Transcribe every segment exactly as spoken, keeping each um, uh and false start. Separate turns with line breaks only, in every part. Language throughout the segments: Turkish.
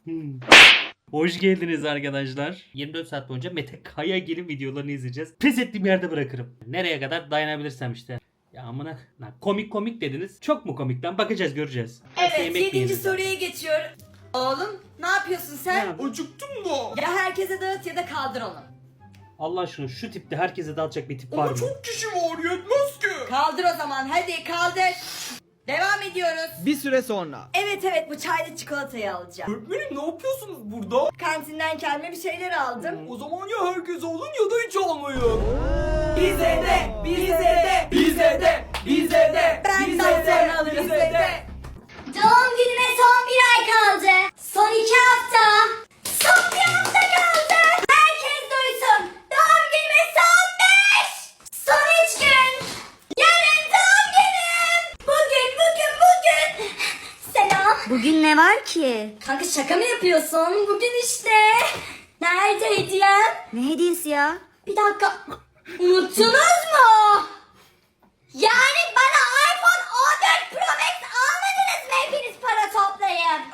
Hmm. Hoş geldiniz arkadaşlar. yirmi dört saat boyunca Mete Kayagil'in videolarını izleyeceğiz. Pes ettiğim yerde bırakırım. Nereye kadar dayanabilirsem işte. Ya amına lan komik komik dediniz. Çok mu komik lan? Bakacağız, göreceğiz. Nasıl
Evet,
yemek
yedinci
yiyelim?
soruya geçiyorum. Oğlum ne yapıyorsun sen?
Ne
Acıktım da.
Ya herkese dağıt ya da kaldır onu.
Allah aşkına şu tipte herkese dağıtacak bir tip var
Ama
mı?
çok kişi var, yetmez ki.
Kaldır o zaman, hadi kaldır. Devam ediyoruz.
Bir süre sonra.
Evet evet, bu çaylı çikolatayı alacağım.
Öğretmenim ne yapıyorsunuz burada?
Kantinden kendime bir şeyler aldım.
O zaman ya herkes alın ya da hiç almayın.
Bize de, bize de,
bize de, bize de,
ben daha sonra alırım. Bize de.
Doğum günüme son bir ay kaldı. Son iki hafta. Son bir hafta kaldı. Herkes duysun. Doğum günüme son beş. Son üç gün. Yarın doğum günüm. Bugün, bugün, bugün. Selam. Bugün ne var ki? Kanka şaka mı yapıyorsun? Bugün işte. Nerede hediyem? Ne hediyesi ya? Bir dakika. Unuttunuz mu? Yani bana iPhone on dört Pro Max almadınız mı hepiniz para toplayıp?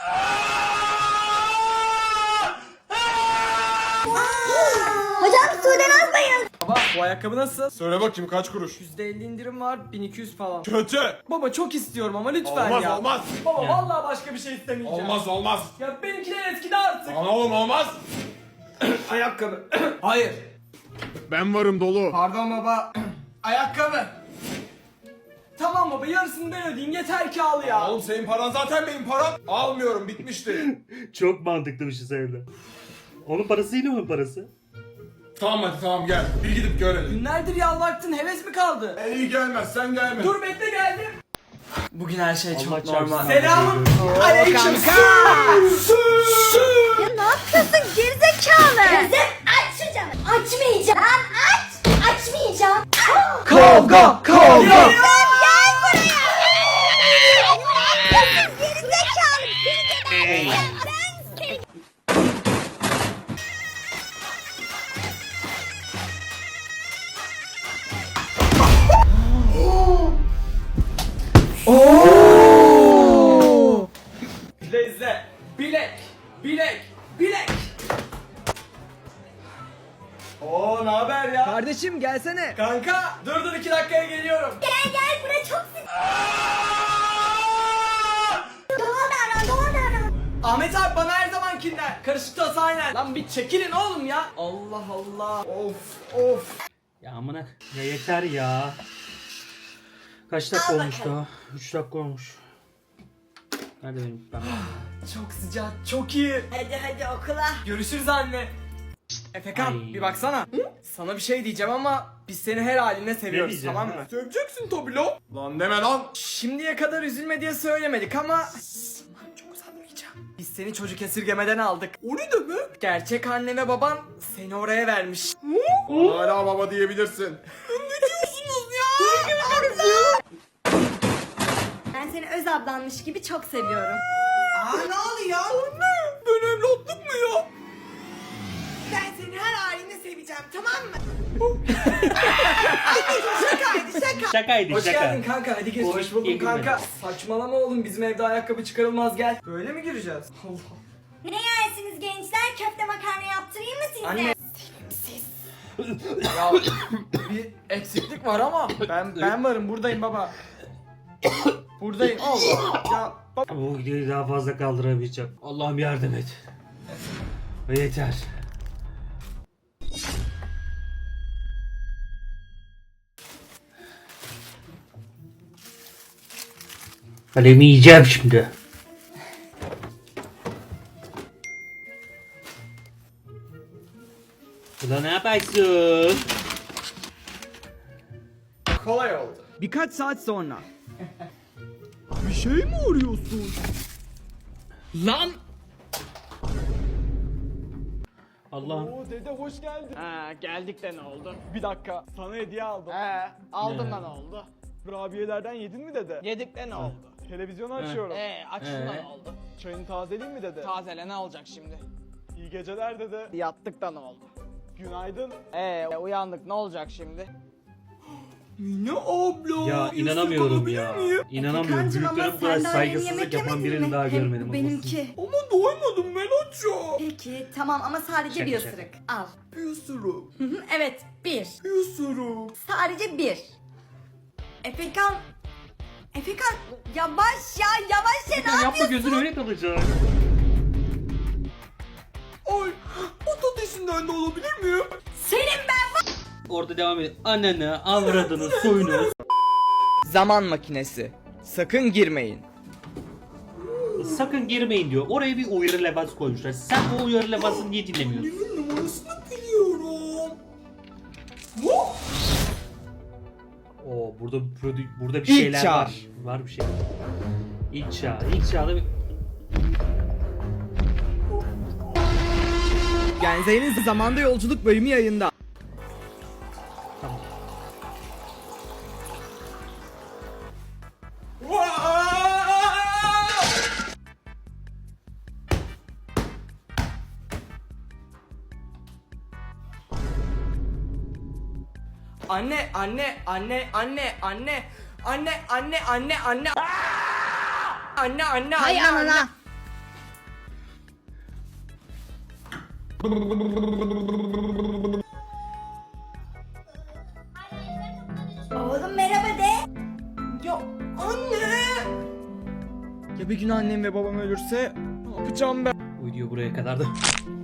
Hocam sudan almayın.
Baba bu ayakkabı nasıl?
Söyle bakayım kaç kuruş?
yüzde elli indirim var, bin iki yüz falan.
Kötü.
Baba çok istiyorum ama lütfen
Olmaz
ya.
olmaz.
Baba
Ya.
vallahi başka bir şey istemeyeceğim.
Olmaz olmaz.
Ya benimkiler eskidi artık.
Lan oğlum olmaz.
Ayakkabı. Hayır.
Ben varım dolu.
Pardon baba. Ayakkabı. Tamam baba, yarısını ben ödeyeyim, yeter ki al ya.
Oğlum senin paran zaten benim param. Almıyorum, bitmişti.
Çok mantıklı bir şey söyledi. Onun parası yine onun parası.
Tamam hadi tamam gel. Bir gidip görelim.
Günlerdir yalvarttın, heves mi kaldı?
E, iyi gelmez sen gelme.
Dur bekle, geldim. Bugün her şey
Allah
çok
çarpsın
normal.
abi.
Selamun aleyküm.
Ya ne yapıyorsun gerizekalı? Kızım aç şu camı. Açmayacağım. Lan aç. Açmayacağım.
Kavga, kavga.
Gel buraya. Ne yapıyorsun gerizekalı? Seni geberteceğim. Ben seni...
İzle izle. Bilek, bilek, bilek. Oo ne haber ya? Kardeşim gelsene. Kanka dur dur iki dakikaya geliyorum.
Gel gel buraya çok sık. Doğa davran doğa davran.
Ahmet abi bana her zamankinden. Karışık toz aynen. Lan bir çekilin oğlum ya. Allah Allah. Of of.
Ya amına ya yeter ya. Kaç dakika
Al
olmuş
bakalım.
daha? üç dakika olmuş. Hadi benim ben.
Çok sıcak, çok iyi.
Hadi hadi okula.
Görüşürüz anne. Şşt, Efekan
Ay.
bir baksana. Sana bir şey diyeceğim ama biz seni her haline seviyoruz,
diyeceğim
tamam
ha?
mı?
Seveceksin tabii lan. Lan deme lan.
Şimdiye kadar üzülme diye söylemedik ama... Lan çok uzatmayacağım. Biz seni çocuk esirgemeden aldık.
O ne demek?
Gerçek anne ve baban seni oraya vermiş.
Hala baba diyebilirsin.
Ben seni öz ablanmış gibi çok seviyorum.
Aa ne oluyor?
Anne ben evlatlık mı ya?
Ben seni her halinde seveceğim, tamam mı? Şakaydı şaka.
Şakaydı
Hoş
şaka.
geldin kanka, hadi geç.
Hoş
Hoş buldum
geldin
kanka.
benim.
Saçmalama oğlum, bizim evde ayakkabı çıkarılmaz, gel. Böyle mi gireceğiz? Allah.
Ne yersiniz gençler? Köfte makarna yaptırayım mı size?
Anne. Ya bir eksiklik var ama ben ben varım, buradayım baba. Buradayım. Allah. Ya baba.
Bu videoyu daha fazla kaldıramayacağım. Allah'ım yardım et. Ve yeter. Kalemi yiyeceğim şimdi. Ulan ne yaparsın?
Kolay oldu.
Birkaç saat sonra.
Bir şey mi arıyorsun?
Lan!
Allah'ım.
Oo dede hoş geldin.
Ha, geldik de ne oldu?
Bir dakika, sana hediye aldım.
He, aldım
Ne?
da ne oldu?
Kurabiyelerden yedin mi dede?
Yedik de ne oldu?
Televizyonu açıyorum.
Ee, açtın da
Ee?
ne oldu?
Çayını tazeleyeyim mi dede?
Tazele ne olacak şimdi?
İyi geceler dede.
Yattık da ne oldu?
Günaydın.
Ee, uyandık ne olacak şimdi?
Mine abla.
Ya
yüzük
inanamıyorum
alabilir
ya.
miyim?
İnanamıyorum.
Efekancığım ama
Büyüklere bu kadar
sen daha yeni
saygısızlık
yemek
yapan
yemedin
birini
mi?
daha
Hem
görmedim.
bu
olmasın.
benimki.
Ama doymadım Meloş'a.
Peki tamam ama sadece
Şaka
bir
şaka.
ısırık. Al.
Bir ısırık.
Hı hı, evet bir.
Bir ısırık.
Sadece bir. Efekan. Efekan yavaş ya yavaş ya ne
Yapma
yapıyorsun?
gözün öyle kalacak.
Ay patatesinden de alabilir miyim?
Senin ben
Orada devam edin. Ananı, avradını, soyunu.
Zaman makinesi. Sakın girmeyin.
Sakın girmeyin diyor. Oraya bir uyarı levhası koymuşlar. Sen o uyarı levhasını niye dinlemiyorsun?
Annemin numarasını biliyorum. Hop.
Oo burada prodü- burada bir
İlk
şeyler
çağ.
var. Var bir şey. İlk çağ. İlk çağda bir...
Genze'nin zamanda yolculuk bölümü yayında.
Tamam.
Anne, anne, anne, anne, anne, anne, anne, anne, anne. Anne, anne,
Hay
anne, anne.
anana.
Oğlum merhaba de.
Ya anne. Ya bir gün annem ve babam ölürse ne yapacağım ben?
Bu video buraya kadar da.